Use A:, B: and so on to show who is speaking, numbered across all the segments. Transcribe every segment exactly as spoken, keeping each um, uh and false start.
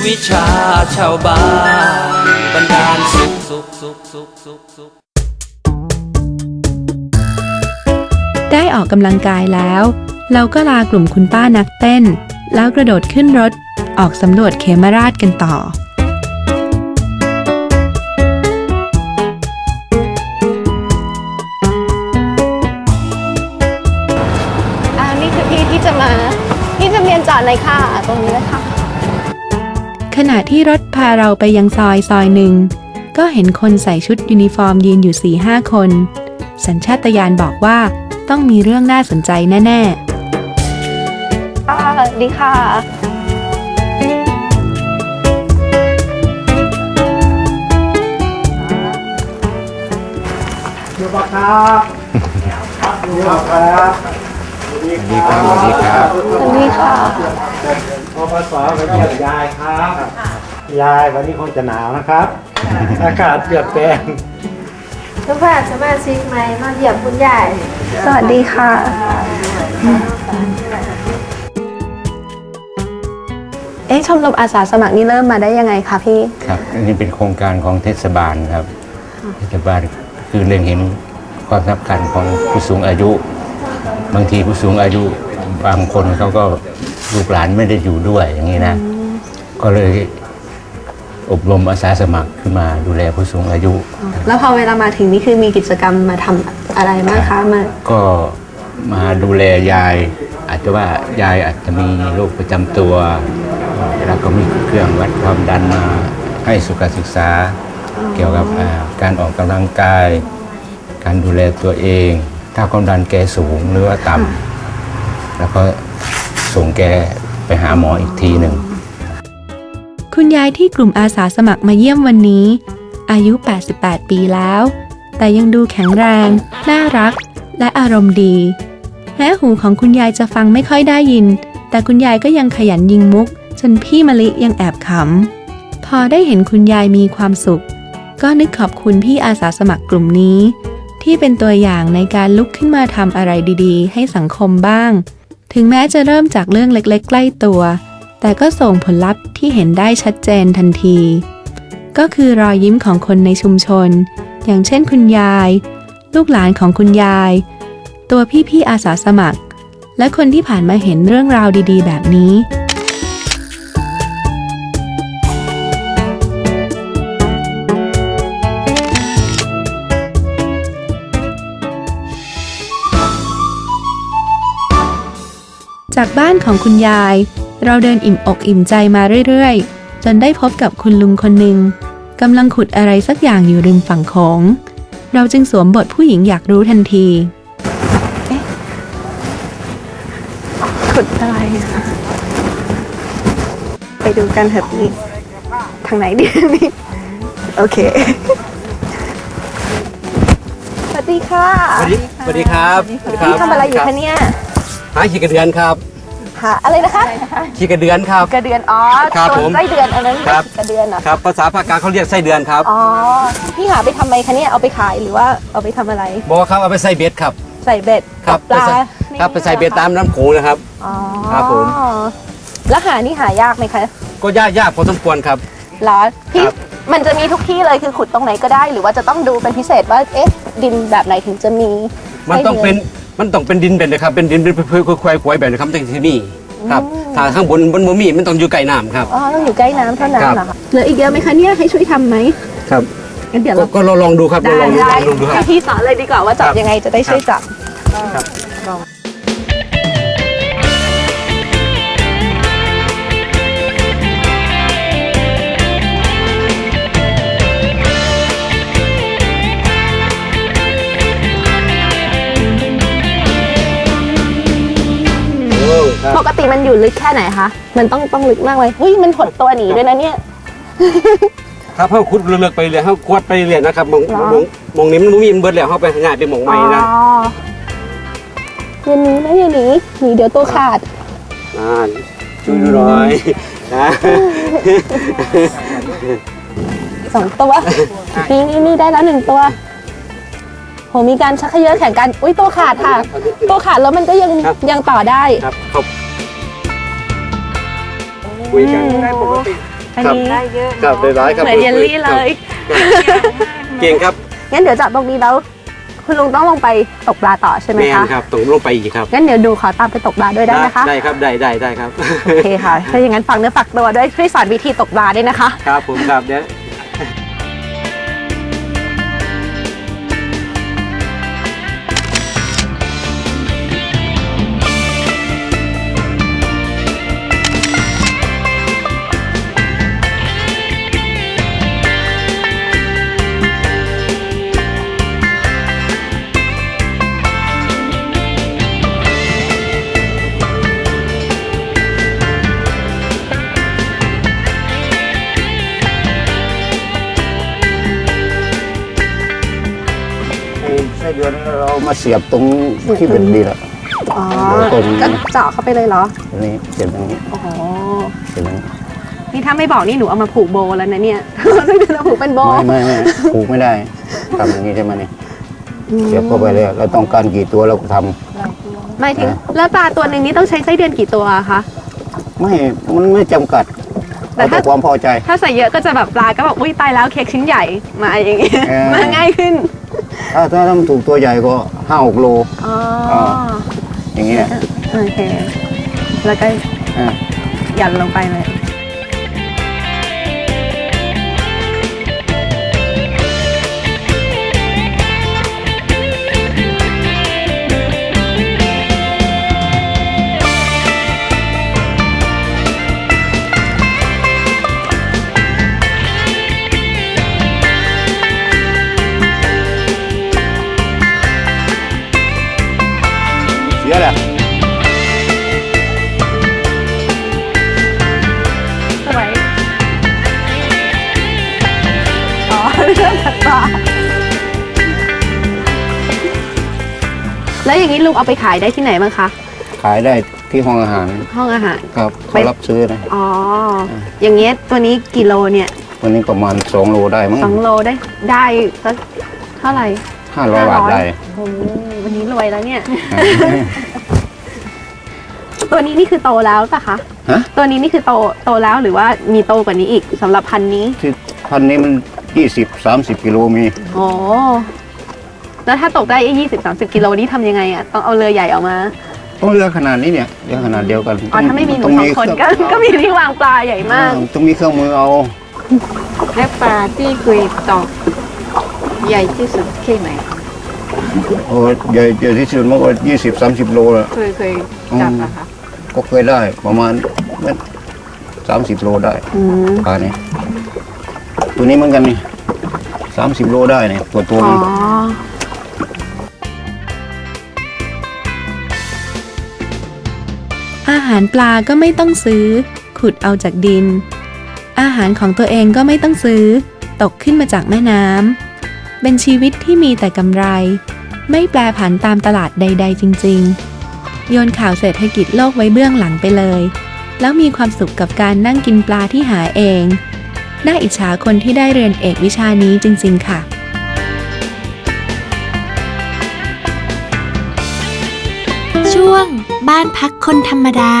A: วิชาชาวบ้านบันดาลสุขสุขสุขสุขสุขสุข
B: ได้ออกกำลังกายแล้วเราก็ลากลุ่มคุณป้านักเต้นแล้วกระโดดขึ้นรถออกสำรวจเขมราชกันต่อ
C: อ่านี่คือพี่ที่จะมาพี่จะเรียนจอดเลยค่ะตรงนี้เลยค่ะ
B: ขณะที่รถพาเราไปยังซอยซอยหนึ่งก็เห็นคนใส่ชุดยูนิฟอร์มยืนอยู่ สี่ห้า คนสัญชาตญาณบอกว่าต้องมีเรื่องน่าสนใจแน่ๆ
C: ค่ะดีค่ะ
D: สวัสดีครับสวัสดีครับสวัสดีครับสวัสดีครับ
C: สวัสดีค่ะ
D: พอมาสอนกับยายครับยายวันนี้คงจะหนาวนะครับอากาศเปลี่ยนแปลง
E: ทุกท่านสมาชิกใหม่มาเยี่ยมคุณยาย
C: สวัสดีค่ะเอ๊ะชมรมอาสาสมัครนี่เริ่มมาได้ยังไงคะพี่
F: ครับอันนี้เป็นโครงการของเทศบาลครับเทศบาลคือเล็งเห็นความสำคัญของผู้สูงอายุบางทีผู้สูงอายุบางคนเขาก็ลูกหลานไม่ได้อยู่ด้วยอย่างนี้นะก็เลยอบรมอาสาสมัครขึ้นมาดูแลผู้สูงอายุ
C: แล้วพอเวลามาถึงนี่คือมีกิจกรรมมาทำอะไรบ้างคะมา
F: ก็มาดูแลยายอาจจะว่ายายอาจจะมีโรคประจำตัวแล้วก็มีเครื่องวัดความดันมาให้สุขศึกษาเกี่ยวกับการออกกำลังกายการดูแลตัวเองถ้าความดันแกสูงหรือว่าต่ำแล้วก็ส่งแกไปหาหมออีกทีหนึ่ง
B: คุณยายที่กลุ่มอาสาสมัครมาเยี่ยมวันนี้อายุแปดสิบแปดปีแล้วแต่ยังดูแข็งแรงน่ารักและอารมณ์ดีแม้หูของคุณยายจะฟังไม่ค่อยได้ยินแต่คุณยายก็ยังขยันยิงมุกจนพี่มะลิยังแอบขำพอได้เห็นคุณยายมีความสุขก็นึกขอบคุณพี่อาสาสมัครกลุ่มนี้ที่เป็นตัวอย่างในการลุกขึ้นมาทำอะไรดีๆให้สังคมบ้างถึงแม้จะเริ่มจากเรื่องเล็กๆใกล้ตัวแต่ก็ส่งผลลัพธ์ที่เห็นได้ชัดเจนทันทีก็คือรอยยิ้มของคนในชุมชนอย่างเช่นคุณยายลูกหลานของคุณยายตัวพี่ๆอาสาสมัครและคนที่ผ่านมาเห็นเรื่องราวดีๆแบบนี้จากบ้านของคุณยายเราเดินอิ่มอกอิ่มใจมาเรื่อยๆจนได้พบกับคุณลุงคนหนึ่งกำลังขุดอะไรสักอย่างอยู่ริมฝั่งโขงเราจึงสวมบทผู้หญิงอยากรู้ทันที
C: เอ๊ะขุดอะไรไปดูกันเถอะพี่ทางไหนดีนี่โอเคสวัสดีค่ะ
D: สวัสดีสวัสดีครับ
C: พี่ทำอะไรอยู่คะเนี่ย
D: หาขี้กระเดือนครับ
C: หาอะไรนะคะ
D: ขี้กระเดือนครับ
C: กระเดือนอ๋อ
D: ครับผม
C: ไส้เดือนอันนั้นกระเดือนเหรอ
D: ครับภาษาภาคกลางเขาเรียกไส้เดือนครับ
C: อ๋อพี่หาไปทำไมคะเนี่ยเอาไปขายหรือว่าเอาไปทำอะไร
D: บอกครับเอาไปใส่เบ็ดครับ
C: ใส่เบ็ด
D: ครับปลาครับไปใส่เบ็ดตามน้ำโขงนะครับ
C: อ๋อ
D: ครับผม
C: แล้วหานี่หายากไหมคะ
D: ก็ยากยากพอสมควรครับ
C: เหรอพี่มันจะมีทุกที่เลยคือขุดตรงไหนก็ได้หรือว่าจะต้องดูเป็นพิเศษว่าเอ๊ะดินแบบไหนถึงจะมี
D: มันต้องเป็นมันต้องเป็นดินแบบนะครับเป็นดินเป็นเพื่อควายควายแบบนะครับที่ที่นี่ครับถ้าข้างบนบนบ่มีมันต้องอยู่ใกล้น้ำครับ
C: อ๋อต้องอยู่ใกล้น้ำเท่านั้นเหรอคะเหลืออีกเยอะไหมคะเนี่ยให้ช่วยทำไหม
D: ครับ
C: งั้นเดี๋ยวเรา
D: ก็ลองดูครับลองดูลองดูครับ
C: พี่สอนเลยดีกว่าว่าจับยังไงจะได้ช่วยจับ
D: ครับ
C: ปกติมันอยู่ลึกแค่ไหนคะมันต้องต้องลึกมากเลยเฮ้ยมันหดตัวหนีด้วยนะเนี่ย
D: ครับเขาขุดเลือกไปเรื่อยเขากวดไปเรื่อยนะครับมองมองมองนี้มันมีมันเบิดแล้วเขาไปง่ายไปมองใหม่นะ
C: อย่าหนีนะอย่าหนีหนีเดี๋ยวตัวขาด
D: อ่าช่วยหน่อยนะ
C: สองตัวนี่นี่นี่ได้แล้วหนึ่งตัวโหมีการชักเขยื้อแข่งกันอุ้ยตัวขาดค่ะตัวขาดแล้วมันก็ยังยังต่อได้
D: ครับคุยกันได้ปกติ
C: อันนี้
E: ได้เยอะ
D: ครับได้ร้ายครับ
C: เหมือนเยลลี่เลย
D: เก่งครับ
C: งั้นเดี๋ยวจากตรงนี้แล้วคุณลุงต้องลงไปตกปลาต่อใช่ไหม
D: แม่น
C: คะ
D: ครับต้องลงไปอีกครับ
C: งั้นเดี๋ยวดูขอตามไปตกปลาด้วยได้ไหมคะ
D: ได้ครับได้ได้ได้ครับ
C: โอเคค่ะ ถ้าอย่างนั้นฝากเนื้อฝากตัวด้วยช่วยสอนวิธีตกปลาด้วยนะคะ
D: ครับผมครับเดี๋ยว
F: ไส้เดือนเรามาเสียบตรงที่เป็นดีแล้ว
C: อ๋อ
F: ตรง
C: ก็เจาะเข้าไปเลยเหรอ
F: ตรงนี้เสียบตรงนี้
C: โอ้โห
F: เสียบตรงนี้
C: นี่ถ้าไม่บอกนี่หนูเอามาผูกโบแล้วนะเนี่ย ต้องเดินมาผูกเป็นโบ
F: ไม่ไม่ไม่ผูกไม่ได้ทำอย่างนี้ใช่ไหมเนี่ยเสียบเข้าไปเลยเราต้องการกี่ตัวเราก็ทำ
C: หมายถึงแล้วปลาตัวหนึ่งนี้ต้องใช้ไส้เดือนกี่ตัวอะคะ
F: ไม่มันไม่จำกัด
C: แต่
F: แต่
C: ถ้า
F: ความพอใจ
C: ถ้าใส่เยอะก็จะแบบปลาก็แบบอุ้ยตายแล้วเค้กชิ้นใหญ่มาอย่างงี้
F: เออ
C: มาง่ายขึ้น
F: ถ้าถ้าทำถูกตัวใหญ่ก็ห้าหกโล
C: อ๋อ
F: อย่างเงี้ย
C: โอเค แล้วก็
F: อ่า
C: ยันลงไปเลย
F: เสียแหละ
C: สวย อ๋อ เรื่องตัดต่อแล้วอย่างนี้ลุงเอาไปขายได้ที่ไหนบ้างคะ
F: ขายได้ที่ห้องอาหาร
C: ห้องอาหาร
F: ครับ
C: ไป
F: เขารับซื้อนะ
C: อ๋อ อย่างเงี้ยตัวนี้กี่โลเนี่ย
F: วันนี้ประมาณสองโลได้มั้ง
C: สองโลได้ได้สักเท่าไหร่
F: ห้าร้อยบาทได้
C: โอ้โหวันนี้รวยแล้วเนี่ย ตัวนี้นี่คือโตแล้วป่ะคะ
F: ฮะ
C: ตัวนี้นี่คือโตโตแล้วหรือว่ามีโตกว่านี้อีกสำหรับพันธุ์นี้
F: ที่พันนี้มันยี่สิบสามสิบกิโลมี
C: โอ้แล้วถ้าตกได้ยี่สิบสามสิบกิโลนี่ทำยังไงอ่ะต้องเอาเรือใหญ่ออกมา
F: ต้องเรือขนาดนี้เนี่ยเรือขนาดเดียวกัน
C: อ๋อถ้าไม่มีหนู
F: ต้
C: สองคนก็
F: เครื่อง
C: ก็มีที่วางปลาใหญ่มาก
F: ต้องมีเครื่องมือเอา
E: และปลาที่เคยตกใหญ่ที่สุดแค่ไหน
F: โอ้ใหญ่ใหญ่ที่สุดมันก็ยี่สิบสามสิบโลแล้ว
E: เคยเคยจับอะคะ
F: ก็เคยได้ประมาณสามสิบโลได้
C: อืม
F: ปลาเนี่ยตัวนี้เหมือนกันนี่สามสิบโลได้เนี่ยตัวตัว
C: อ๋อ
F: มัน
B: อาหารปลาก็ไม่ต้องซื้อ ขุดเอาจากดิน อาหารของตัวเองก็ไม่ต้องซื้อ ตกขึ้นมาจากแม่น้ำเป็นชีวิตที่มีแต่กำไร ไม่แปรผันตามตลาดใด ๆ จริง ๆ โยนข่าวเศรษฐกิจโลกไว้เบื้องหลังไปเลย แล้วมีความสุขกับการนั่งกินปลาที่หาเอง น่าอิจฉาคนที่ได้เรียนเอกวิชานี้จริง ๆ ค่ะ
G: ช่วงบ้านพักคนธรรมดา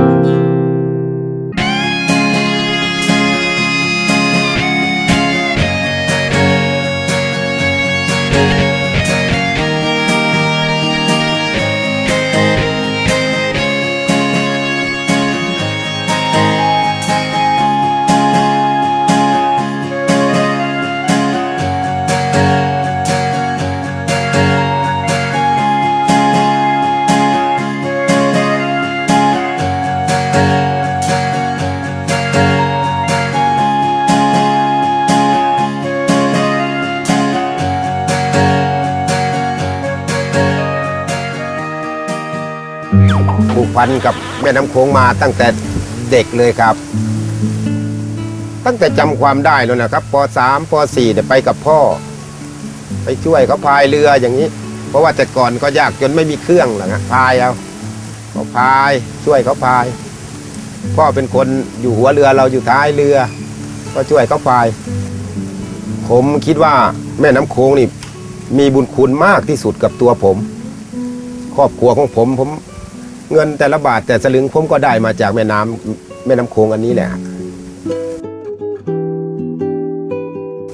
H: ผูกพันกับแม่น้ำโขงมาตั้งแต่เด็กเลยครับ ตั้งแต่จำความได้แล้วนะครับป สาม ป สี่เนี่ยไปกับพ่อ ไปช่วยเขาพายเรืออย่างนี้ เพราะว่าแต่ก่อนก็ยากจนไม่มีเครื่องหรอกนะพายเอาก็พายช่วยเขาพาย พ่อเป็นคนอยู่หัวเรือเราอยู่ท้ายเรือ ก็ช่วยเขาพาย ผมคิดว่าแม่น้ำโขงนี่มีบุญคุณมากที่สุดกับตัวผม ครอบครัวของผมผมเงินแต่ละบาทแต่สลึงผมก็ได้มาจากแม่น้ำแม่น้ำโขงอันนี้แหละ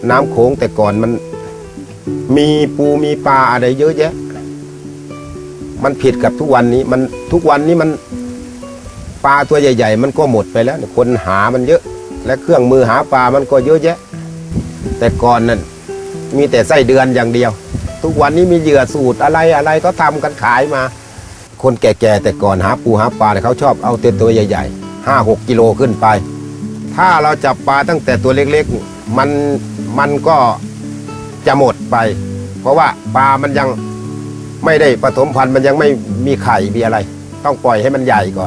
H: น้ำโขงแต่ก่อนมันมีปูมีปลาอะไรเยอะแยะ มันผิดกับทุกวันนี้มันทุกวันนี้มันปลาตัวใหญ่ๆมันก็หมดไปแล้วคนหามันเยอะ และเครื่องมือหาปลามันก็เยอะแยะ แต่ก่อนนั้นมีแต่ไส้เดือนอย่างเดียว ทุกวันนี้มีเหยื่อสูตรอะไรอะไรก็ทำกันขายมา คนแก่ๆแต่ก่อนหาปูหาปลาเนี่ยเขาชอบเอาเต็มตัวใหญ่ๆห้าหกกิโลขึ้นไป ถ้าเราจับปลาตั้งแต่ตัวเล็กๆมันมันก็จะหมดไป เพราะว่าปลามันยังไม่ได้ผสมพันธุ์มันยังไม่มีไข่มีอะไร ต้องปล่อยให้มันใหญ่ก่อน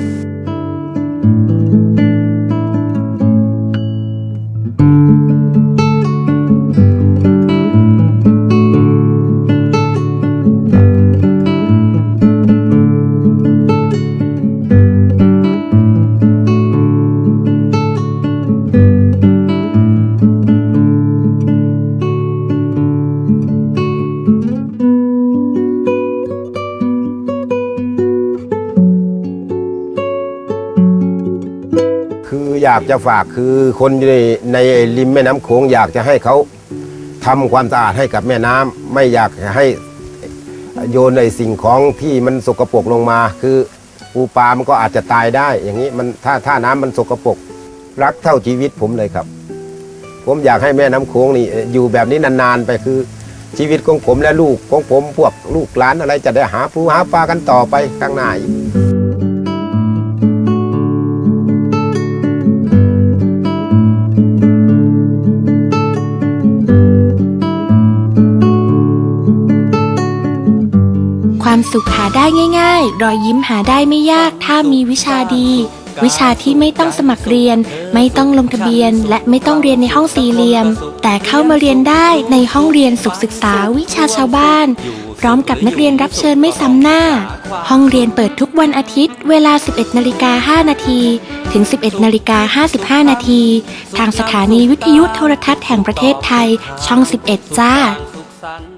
H: คืออยากจะฝากคือคนในในริมแม่น้ำโขงอยากจะให้เขาทำความสะอาดให้กับแม่น้ำไม่อยากให้โยนในสิ่งของที่มันสกปรกลงมา คือปูปลามันก็อาจจะตายได้ อย่างนี้มันถ้าถ้าน้ำมันสกปรกรักเท่าชีวิตผมเลยครับ ผมอยากให้แม่น้ำโขงนี่อยู่แบบนี้นานๆไปคือชีวิตของผมและลูกของผมพวกลูกหลานอะไรจะได้หาปูหาปลากันต่อไปข้างหน้าอีก
G: ความสุขหาได้ง่ายๆ รอยยิ้มหาได้ไม่ยากถ้ามีวิชาดี วิชาที่ไม่ต้องสมัครเรียน ไม่ต้องลงทะเบียน และไม่ต้องเรียนในห้องสี่เหลี่ยม แต่เข้ามาเรียนได้ในห้องเรียนสุขศึกษาวิชาชาวบ้าน พร้อมกับนักเรียนรับเชิญไม่ซ้ำหน้า ห้องเรียนเปิดทุกวันอาทิตย์ เวลา สิบเอ็ดนาฬิกาห้านาที ถึง สิบเอ็ดนาฬิกาห้าสิบห้านาที ทางสถานีวิทยุโทรทัศน์แห่งประเทศไทย ช่อง สิบเอ็ด จ้า
A: สุขสันต์